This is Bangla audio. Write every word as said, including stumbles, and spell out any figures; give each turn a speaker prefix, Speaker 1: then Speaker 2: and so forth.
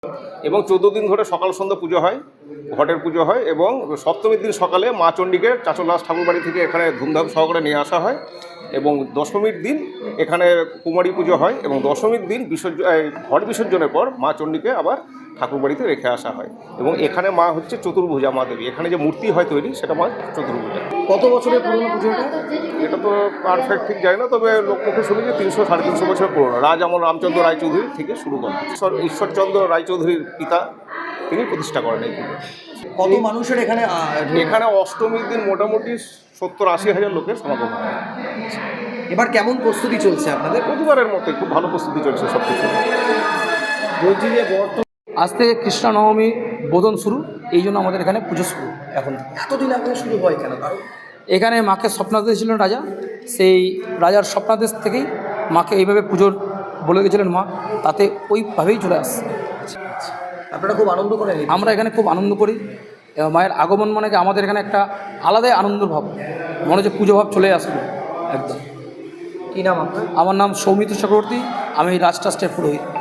Speaker 1: এবং চোদ্দো দিন ধরে সকাল সন্ধ্যা পুজো হয়, ঘটের পুজো হয় এবং সপ্তমীর দিন সকালে মা চণ্ডীকে চাচলদাস ঠাকুর বাড়ি থেকে এখানে ধুমধাম সহকারে নিয়ে আসা হয় এবং দশমীর দিন এখানে কুমারী পুজো হয় এবং দশমীর দিন বিসর্জন ঘট বিসর্জনের পর মা চণ্ডীকে আবার ঠাকুর বাড়িতে রেখে আসা হয় এবং এখানে মা হচ্ছে চতুর্ভুজা মা দেবী। এখানে যে মূর্তি হয় তৈরি সেটা মা চতুর্ভুজা।
Speaker 2: কত বছরের পুরনো পুজোটা?
Speaker 1: এটা তো পারফেক্ট ঠিক যায় না, তবে লোকমুখে শুনি যে তিনশো সাড়ে তিনশো বছর পুরনো। রাজ আমল রামচন্দ্র রায়চৌধুরী থেকে শুরু করেন। ঈশ্বর ঈশ্বরচন্দ্র রায়চৌধুরীর পিতা তিনি প্রতিষ্ঠা করেন এই পুজো।
Speaker 2: কত মানুষের এখানে
Speaker 1: এখানে অষ্টমীর দিন মোটামুটি সত্তর আশি হাজার লোকের সমাগম হয়।
Speaker 2: এবার কেমন প্রস্তুতি চলছে আপনাদের?
Speaker 1: প্রতিবারের মতো খুব ভালো প্রস্তুতি চলছে সব কিছু।
Speaker 2: বলছি যে বর্তমান
Speaker 3: আজ থেকে কৃষ্ণ নবমী বোধন শুরু, এই জন্য আমাদের এখানে পুজো শুরু। এখন
Speaker 2: এতদিন আগে শুরু হয় কেন? কারণ
Speaker 3: এখানে মাকে স্বপ্নাদেশ ছিলেন রাজা, সেই রাজার স্বপ্নাদেশ থেকেই মাকে এইভাবে পুজোর বলে গেছিলেন মা, তাতে ওইভাবেই চলে আসছে।
Speaker 2: আপনারা খুব আনন্দ করেন?
Speaker 3: আমরা এখানে খুব আনন্দ করি এবং মায়ের আগমন মানে কি আমাদের এখানে একটা আলাদাই আনন্দ ভাব, মনে হচ্ছে পুজো ভাব চলে আসবে একদম।
Speaker 2: কী নাম আপনার?
Speaker 3: আমার নাম সৌমিত্র চক্রবর্তী, আমি রাজ ট্রাস্টের পুরোহিত।